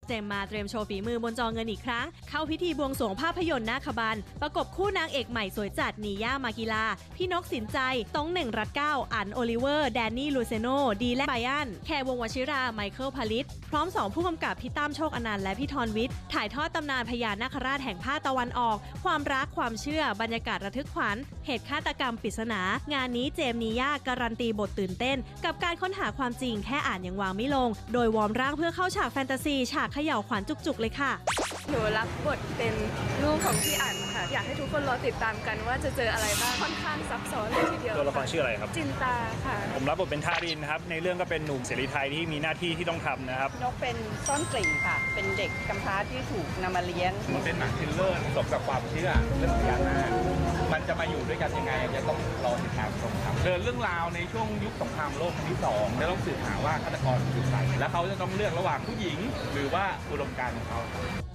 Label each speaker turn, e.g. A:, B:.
A: เจมมาเตรียมโชว์ฝีมือบนจอเงินอีกครั้งเข้าพิธีบวงสรวงภาพยนตร์นาคบันประกบคู่นางเอกใหม่สวยจัดนีย่ามากิลาพี่นกสินใจต้องเหน่งรัตเก้าอันโอลิเวอร์แดนนี่ลูเซโนดีและไบอันแคร์วงศ์วชิราไมเคิลพาลิตพร้อม2ผู้กำกับพี่ตั้มโชคอนันต์และพี่ธรวิทย์ถ่ายทอดตำนานพญานาคราชแห่งภาคตะวันออกความรักความเชื่อบรรยากาศระทึกขวัญเหตุฆาตกรรมปริศนางานนี้เจมส์นีย่าการันตีบทตื่นเต้นกับการค้นหาความจริงแค่อ่านยังวางไม่ลงโดยวอร์มร่างเพื่อเข้าฉากแฟนตาซีฉากเขย่าขวัญจุกๆเลยค่ะ
B: หนูรับบทเป็นลูกของพี่อั๋นค่ะอยากให้ทุกคนรอติดตามกันว่าจะเจออะไรบ้างค่อนข้างซับซ้อนเลยทีเดียว
C: ตัวละครชื่ออะไรครับ
B: จินตาค่ะ
C: ผมรับบทเป็นทารินครับในเรื่องก็เป็นหนุ่มเสรีไทยที่มีหน้าที่ที่ต้องทำนะครับ
D: นกเป็นซ่อนกลิ่นค่ะเป็นเด็กกำพร้าที่ถูกนำมาเลี้ยง
E: มันเป็นหนังทริลเลอร์ผสมกับความเชื่อเรื่องพญานาคมันจะมาอยู่ด้วยกันยังไงจะต้องรอติดตามชมครับเดินเรื่องราวในช่วงยุคสงครามโลกครั้งที่2แล้วต้องสืบหาว่าฆาตกรอยู่ไหนแล้วเขาจะต้องเลือกระหว่างผู้หญิงหรือว่าอุดมการณ์ของเขา